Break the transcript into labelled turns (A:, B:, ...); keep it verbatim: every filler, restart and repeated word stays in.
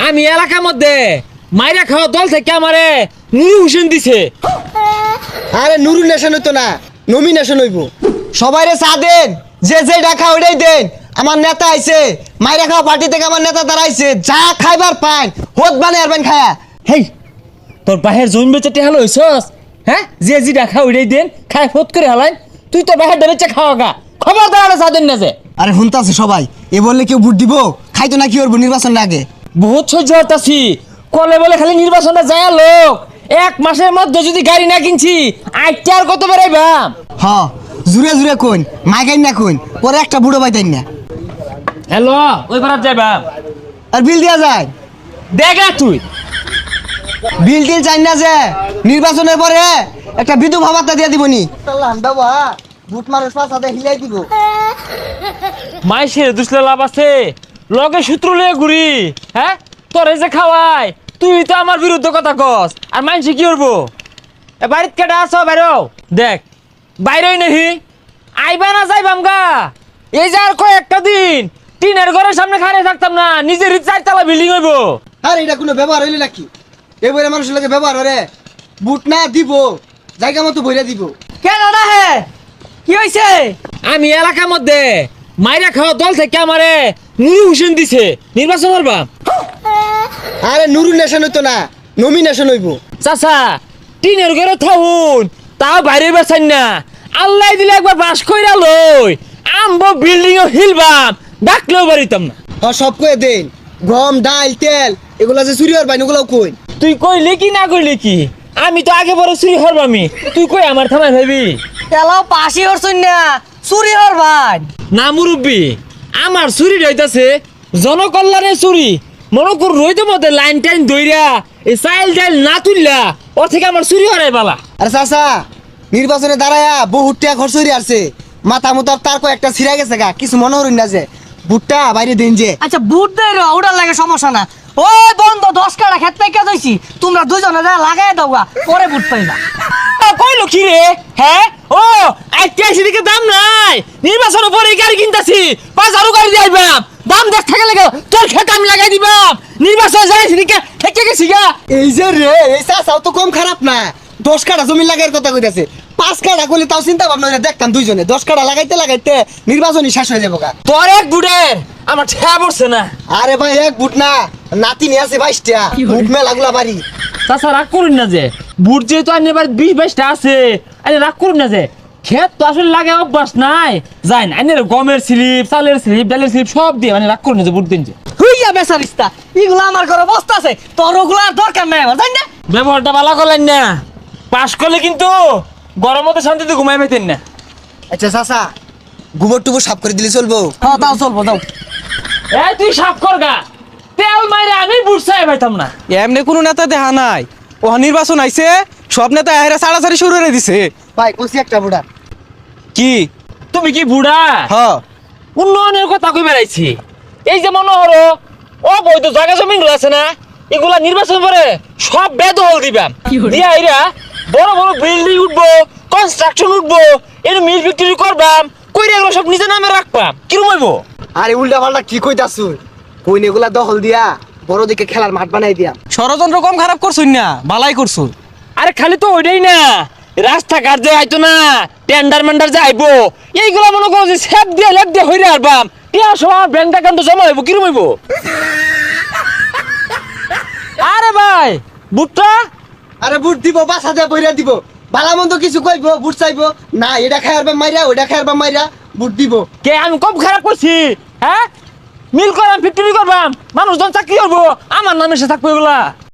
A: আমি এলাকার মধ্যে মাইরা খাওয়া দল থেকে আমারে নুরু হোসেন দিছে।
B: আরে নুরু নেশন হইতো না, নমিনেশন হইব। সবাইরে চা দেন, যে যে ডাকা ওইটাই দেন। আমার নেতা আইছে, মাইরা খাওয়া পার্টি থেকে আমার নেতা দাঁড়াইছে, যা খাইবার পান হোত বানে আরবেন খায়া।
A: হেই তোর বাহের জমি বেচে টেহালো হইছস? হ্যাঁ, যে যে দেখা ওইটাই দেন খাই ফোত করে হালাই। তুই তো বাহের বেচে খাওয়া গা, খবর দাঁড়ালে চা দেন না যে।
B: আরে শুনতাছে সবাই, এ বললে কেউ ভোট দিব? খাইতো না কি করবো নির্বাচন আগে?
A: বহুত সহ্য হতাছি, কলে বলে খালি নির্বাচনটা যায় লোক। এক মাসের মধ্যে যদি গাড়ি না কিনছি আইতে আর কত বেড়াইবাম।
B: হ জুড়ে জুড়ে কোন মাইকাই না কোন, পরে একটা বুড়ো পাইতেন না।
A: হ্যালো, ওই পারাত যাইবাম।
B: আর বিল দেওয়া যায়?
A: দেখা তুই
B: বিল টিল চাই না যে, নির্বাচনের পরে একটা বিধবা ভাতা দিয়ে দিবনি। বুট মানুষ পাশাতে হিলাই দিব।
A: মাইসের দুসলে লাভ আছে, লগে সূত্র লয়ে ঘুরি। হ্যাঁ, তোর এই যে খাওয়াই, তুই তো আমার বিরুদ্ধে কথা কস। আর মাইসে কি করবো? এ বাড়িত কেটা আছো বাইরো? দেখ বাইরেই নাহি, আইবা না যাইবাম গা। এই যে আর কয়েকটা দিন টিনের ঘরের সামনে খাড়ে থাকতাম না, নিজের চারতলা বিল্ডিং হইব।
B: আরে এটা কোনো ব্যবহার হইলে নাকি? এবারে মানুষের লাগে ব্যবহার হরে। বুট না দিব, জায়গা মতো বইরা দিব।
A: কেন না হে, কি হয়েছে? আমি এলাকার মধ্যে মাইরা খাওয়া দল থেকে আমারে নুরু হোসেন দিছে, নির্বাচন করবা।
B: আরে নুরু নেশন হইতো না, নমিনেশন হইব।
A: চাচা টিনের ঘরে থাকুন, তাও বাইরে বেছেন না। আল্লাহ দিলে একবার বাস কইরা লই, আমবো বিল্ডিং ও হিলবাম, ডাকলেও বাড়িতাম না।
B: হ সব কয়ে দেন, গম ডাল তেল এগুলা যে চুরি হওয়ার বাইন ওগুলাও কই।
A: তুই কইলি কি না কইলি কি, আমি তো আগে বড় চুরি হরবামি। তুই কই আমার থামাই ভাবি
C: তেলাও পাশি হরছুন না, চুরি হরবান
A: না মুরব্বী। আমার চুরি রইতাছে জনকল্যাণের চুরি। মনে কর রইতে মধ্যে লাইন টাইন দইরা এই চাইল ডাইল না তুললা, ওর থেকে আমার চুরি হরাই বালা।
B: আরে চাচা নির্বাচনে দাঁড়ায়া বহুত টাকা খরচ হইরে আসছে, মাথা মুতার তার কয়েকটা ছিড়া গেছে গা, কিছু মনে হরুন না যে বুটটা বাইরে দেন যে।
C: আচ্ছা বুট দেয় রে, ওটার লাগে সমস্যা না। ওই বন্ধ দশ কাটা খেত থেকে দইছি, তোমরা দুজনে যা লাগাই দাও গা, পরে বুট পাইবা।
A: কইলো কি রে? হ্যাঁ, ও আইতে দিকে দাম নাই, নির্বাচনের পরে গাড়ি কিনতাছি, পাঁচ হাজার গাড়ি দিবাম, দাম দেখ থাকে লাগে তোর খেত আমি লাগাই দিবাম। নির্বাচন যাইছি দিকে থেকে গেছি গা।
B: এই যে রে, এই চাচাও তো কম খারাপ না, দশ কাটা জমি লাগাইয়ের কথা কইতাছে। পাঁচ কাটা করলে তাও চিন্তা ভাবনা করে দেখতাম দুইজনে। দশ কাটা লাগাইতে লাগাইতে নির্বাচনই শেষ হয়ে যাবো গা।
A: তোর এক বুড়ের আমার ঠেয়া পড়ছে না।
B: আরে ভাই এক বুট না, নাতি নিয়ে আছে বাইশটা, বুট মেলাগুলা বাড়ি।
A: চাচা রাগ করুন না যে, বুট যেহেতু আনি এবার বিশ বাইশটা আছে, আরে রাগ করুন না যে, ক্ষেত তো আসলে লাগে অভ্যাস নাই। যাই না আইনের গমের স্লিপ, চালের স্লিপ, ডালের স্লিপ সব দিয়ে মানে রাগ করুন না যে বুট দিন যে।
C: হইয়া বেচারিস্তা, এগুলো আমার ঘরে বস্তা আছে, তোর ওগুলো আর দরকার নাই আমার, জানি না।
A: ব্যবহারটা ভালো করলেন না, পাস করলে কিন্তু গরমতে শান্তিতে ঘুমাই পেতেন না।
B: আচ্ছা চাচা গোবর টুবর সাফ করে দিলে চলবো?
C: হ্যাঁ তাও চলবো, দাও।
A: এই তুই সাফ কর গা, তেল মাইরে আমি বুট চাই পাইতাম না।
D: এমনি কোনো নেতা দেখা নাই, ও নির্বাচন আইছে সব নেতা এরা সাড়াসাড়ি শুরু করে দিছে।
B: ভাই কইছি একটা বুড়া।
D: কি
A: তুমি কি বুড়া?
D: হ
A: উন্নয়নের কথা কই বেড়াইছি। এই যে মনে হলো ও বৈধ জায়গা জমি গুলো আছে না, এগুলা নির্বাচন পরে সব বেদখল দিবাম। দিয়া এরা বড় বড় বিল্ডিং উঠবো, কনস্ট্রাকশন উঠবো, এর মিল ফ্যাক্টরি করবাম, কইরা এগুলো সব নিজের নামে রাখবাম। কিরম হইব?
B: আরে উল্টা পাল্টা কি কইতাছুন? কইন এগুলা দখল দিয়া বড় দিকে খেলার মাঠ বানাই দিয়া।
D: ষড়যন্ত্র কম খারাপ করছুন না, বালাই করছুন।
A: আরে খালি তো ওইটাই না, রাস্তাঘাট যে আইতো না, টেন্ডার মেন্ডার যে আইবো, এইগুলা মনে করো যে সেপ দিয়ে লেপ দিয়ে হইরে আরবাম। টিয়া সময় ব্যাংক অ্যাকাউন্টে জমা হইব, কিরম হইব? আরে ভাই বুটটা
B: আরে বুট দিব, বাসা দিয়ে বইরা দিব, ভালা মন্দ কিছু কইবো, বুট চাইবো না, এটা খাইয়ারবা মাইরা ওইটা খাইয়ারবা মাইরা বুট দিব।
A: কে আমি কম খারাপ করছি? হ্যাঁ, মিল করাম ফ্যাক্টরি করবাম, মানুষজন চাকরি করবো, আমার নামে সে থাকবো এগুলা।